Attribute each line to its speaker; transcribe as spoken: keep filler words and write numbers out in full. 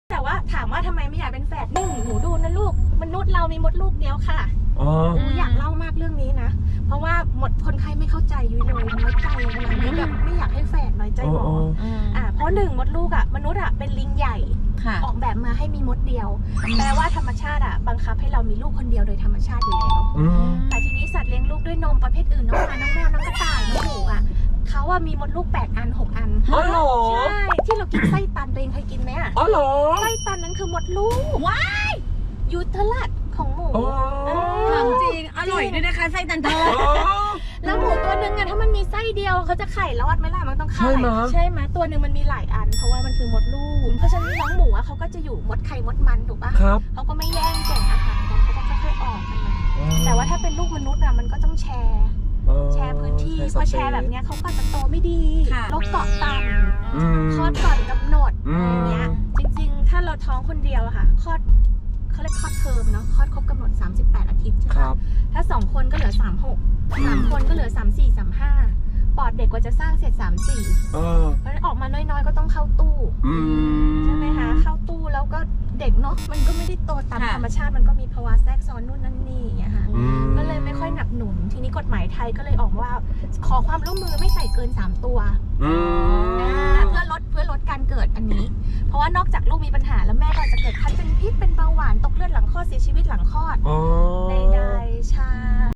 Speaker 1: แต่ว่าถามว่าทำไมไม่อยากเป็นแฝดหนึ่งหนูดูนะลูกมนุษย์เรามีมดลูกเดียวค่ะอ๋ออยากเล่ามากเรื่องนี้นะเพราะว่าหมดคนไข้ไม่เข้าใจยุ้ยเลยน้อยใจขนาดนี้แบบไม่อยากให้แฝดน้อยใจหมออ่าเพราะหนึ่งมดลูกอ่ะมนุษย์อ่ะเป็นลิงใหญ่ออกแบบมาให้มีมดเดียวแปลว่าธรรมชาติอ่ะบังคับให้เรามีลูกคนเดียวโดยธรรมชาติอยู่แล้วแต่ทีนี้สัตว์เลี้ยงลูกด้วยนมประเภทอื่นน้องหมาน้องแมวน้องกระต่ายน้องหมูอ่ะเขาว่ามีมดลูกแปดอันหกอันอ๋อเหรอใช่ที่เรากินไส้ตันตัวเองเคยกินไหมอ่ะอ๋อเหรอไส้ตันนั้นคือมดลูกว้ายยูเทลัสของหมู
Speaker 2: ถามจริงอร่อยด้วยนะคะไส้ตันทอด
Speaker 1: แล้วหมูตัวนึงอะถ้ามันมีไส้เดียวเขาจะไข่รอดไหมล่ะมันต้องไข่ใช่ไหมตัวนึงมันมีหลายอันเพราะว่ามันคือมดลูกเพราะฉะนั้นน้องหมูอะเขาก็จะอยู่มดไข่มดมันถูกปะเขาก็ไม่แย่งแก่งอาหารกันเขาก็ค่อยๆออกกันมาแต่ว่าถ้าเป็นลูกมนุษย์อะมันก็ต้องแชร์แชร์พื้นที่พอแชร์แบบนี้เขาก็จะโตไม่ดีโรคเกาะต่ำคลอดก่อนกำหนดอย่างเงี้ยจริงๆถ้าเราท้องคนเดียวอะค่ะคลอดเขาเรียกคลอดเทอมเนาะคลอดครบกำหนดสามสิบแปดอาทิตย์ใช่ไหมถ้าสองคนก็เหลือสามสิบหก สามคนก็เหลือสามสิบสี่ สามสิบห้าปอดเด็กกว่าจะสร้างเสร็จสามสิบสี่เพราะฉะนั้นออกมาน้อยๆก็ต้องเข้าตู้ใช่ไหมคะเข้าตู้แล้วก็เด็กเนาะมันก็ไม่ได้โตตามธรรมชาติมันก็มีภาวะแทรกซ้อนนู่นนั่นนี่อย่างเงี้ยค่ะก็เลยไม่ค่อยหนักหนุนทีนี้กฎหมายไทยก็เลยออกว่าขอความร่วมมือไม่ใส่เกินสามตัวเพื่อลดเพื่อลดการเกิดอันนี้เพราะว่านอกจากลูกมีปัญหาแล้วแม่ก็จะเกิดคันเป็นพิษเป็นเบาหวานตกเลือดหลังคลอดเสียชีวิตหลังคลอดใดๆใช่